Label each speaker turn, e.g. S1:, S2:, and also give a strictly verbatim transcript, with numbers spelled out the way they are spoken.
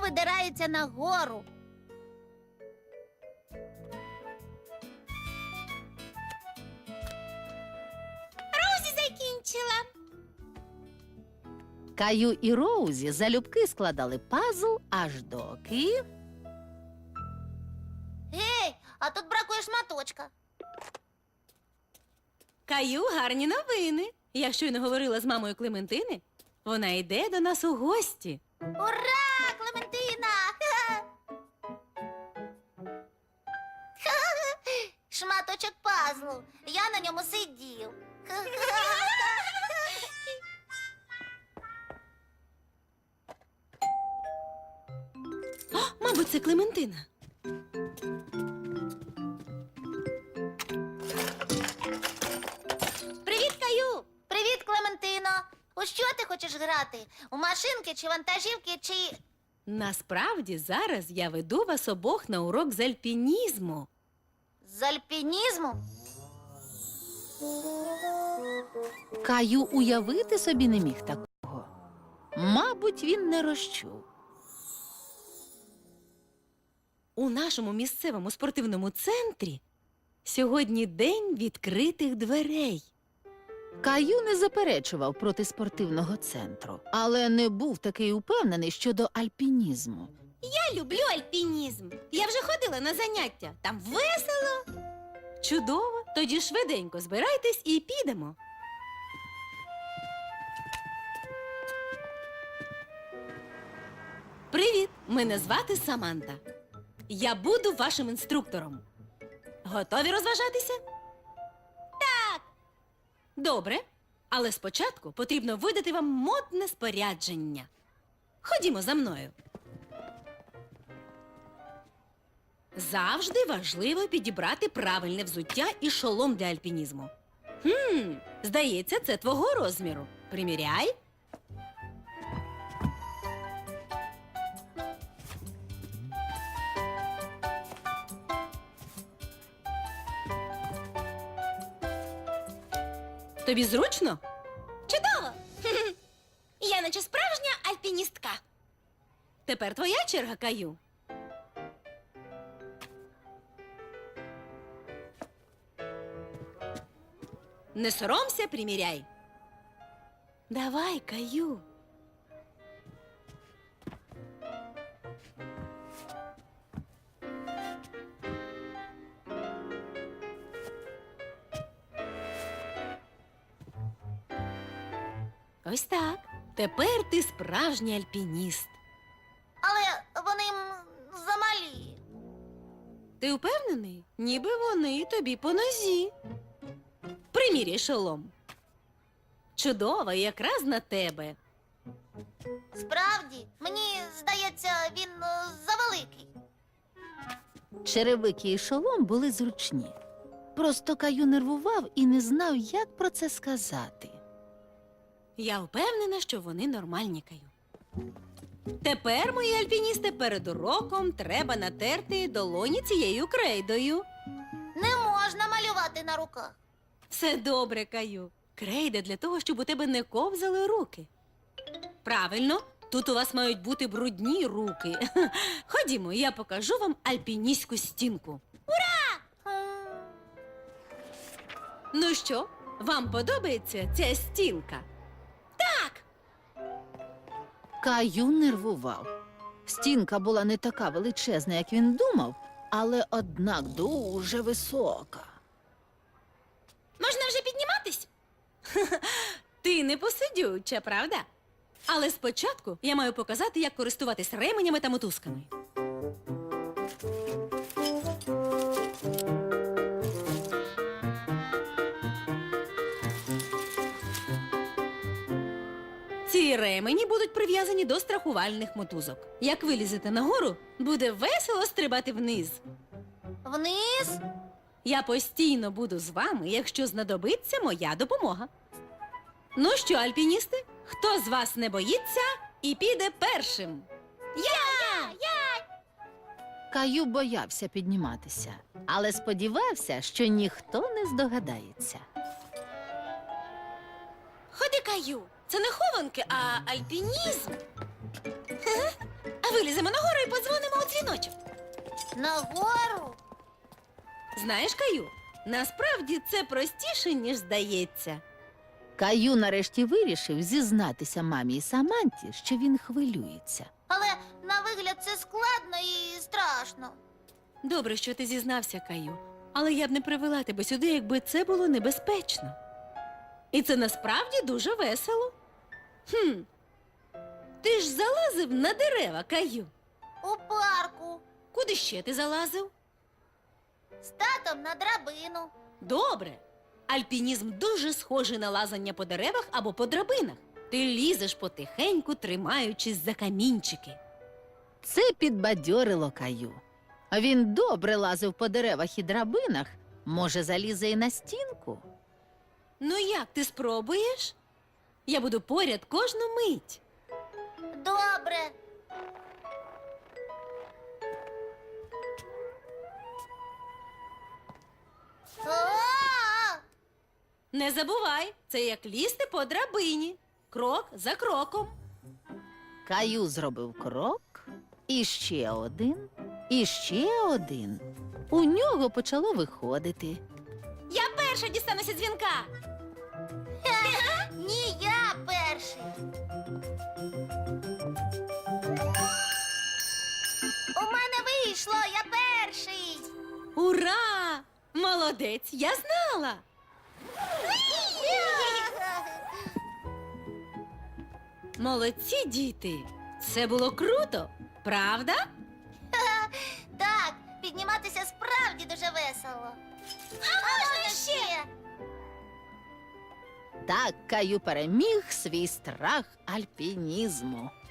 S1: видирається нагору.
S2: Розі закінчила.
S3: Каю і Роузі залюбки складали пазл, аж доки...
S1: Гей, а тут бракує шматочка.
S2: Каю, гарні новини. Я щойно говорила з мамою Клементини. Вона йде до нас у гості.
S1: Ура, Клементина! Шматочок пазлу. Я на ньому сидів.
S2: О, мабуть, це Клементина.
S1: Привіт, Каю! Привіт, Клементино! У що ти хочеш грати? У машинки чи вантажівки, чи...
S2: Насправді, зараз я веду вас обох на урок з альпінізму.
S1: з альпінізму?
S3: Каю уявити собі не міг такого. Мабуть, він не розчув.
S2: У нашому місцевому спортивному центрі сьогодні день відкритих дверей.
S3: Каю не заперечував проти спортивного центру, але не був такий упевнений щодо альпінізму.
S2: Я люблю альпінізм. Я вже ходила на заняття. Там весело. Чудово. Тоді швиденько збирайтесь і підемо. Привіт! Мене звати Саманта. Я буду вашим інструктором. Готові розважатися? Так. Добре. Але спочатку потрібно видати вам модне спорядження. Ходімо за мною. Завжди важливо підібрати правильне взуття і шолом для альпінізму. Хм, здається, це твого розміру. Приміряй. Тобі зручно? Чудово! Я наче справжня альпіністка. Тепер твоя черга, Каю. Не соромся, приміряй. Давай, Каю. Ось так. Тепер ти справжній альпініст.
S1: Але вони м, замалі.
S2: Ти впевнений? Ніби вони тобі по нозі. Приміряй шолом. Чудово, якраз на тебе.
S1: Справді, мені здається, він е, завеликий.
S3: Черевики і шолом були зручні. Просто Каю нервував і не знав, як про це сказати.
S2: Я впевнена, що вони нормальні, Каю. Тепер, мої альпіністи, перед уроком треба натерти долоні цією крейдою.
S1: Не можна малювати на руках.
S2: Все добре, Каю. Крейда для того, щоб у тебе не ковзали руки. Правильно, тут у вас мають бути брудні руки. Ходімо, я покажу вам альпіністську стінку.
S1: М,
S2: Ну що, вам подобається ця стінка?
S3: Каю нервував. Стінка була не така величезна, як він думав, але однак дуже висока.
S2: Можна вже підніматись? Ти не посидюча, правда? Але спочатку я маю показати, як користуватись ременями та мотузками. Ці ремені будуть прив'язані до страхувальних мотузок. Як вилізете нагору, буде весело стрибати вниз.
S1: Вниз?
S2: Я постійно буду з вами, якщо знадобиться моя допомога. Ну що, альпіністи, хто з вас не боїться і піде першим?
S1: Я! Я!
S3: Каю боявся підніматися, але сподівався, що ніхто не здогадається.
S2: Ходи, Каю, це не хованки, а альпінізм. А Виліземо нагору і подзвонимо у дзвіночок.
S1: Нагору?
S2: Знаєш, Каю, насправді це простіше, ніж здається.
S3: Каю нарешті вирішив зізнатися мамі і Саманті, що він хвилюється.
S1: Але на вигляд це складно і страшно.
S2: Добре, що ти зізнався, Каю. Але я б не привела тебе сюди, якби це було небезпечно. І це насправді дуже весело. Хм. Ти ж залазив на дерева, Каю.
S1: У парку.
S2: Куди ще ти залазив?
S1: З татом на драбину.
S2: Добре. Альпінізм дуже схожий на лазання по деревах або по драбинах. Ти лізеш потихеньку, тримаючись за камінчики.
S3: Це підбадьорило Каю. А він добре лазив по деревах і драбинах. Може, залізе і на стінку?
S2: Ну як, ти спробуєш? Я буду поряд кожну мить.
S1: Добре. О!
S2: Не забувай, це як лізти по драбині. Крок за кроком.
S3: Каю зробив крок, і ще один, і ще один. У нього почало виходити.
S2: Я перша дістануся дзвінка.
S1: Ні, я перший. У мене вийшло, я перший.
S2: Ура! Молодець, я знала. Молодці, діти. Це було круто, правда?
S1: Так, підніматися справді дуже весело. А можна ще?
S3: Так Каю переміг свій страх альпінізму.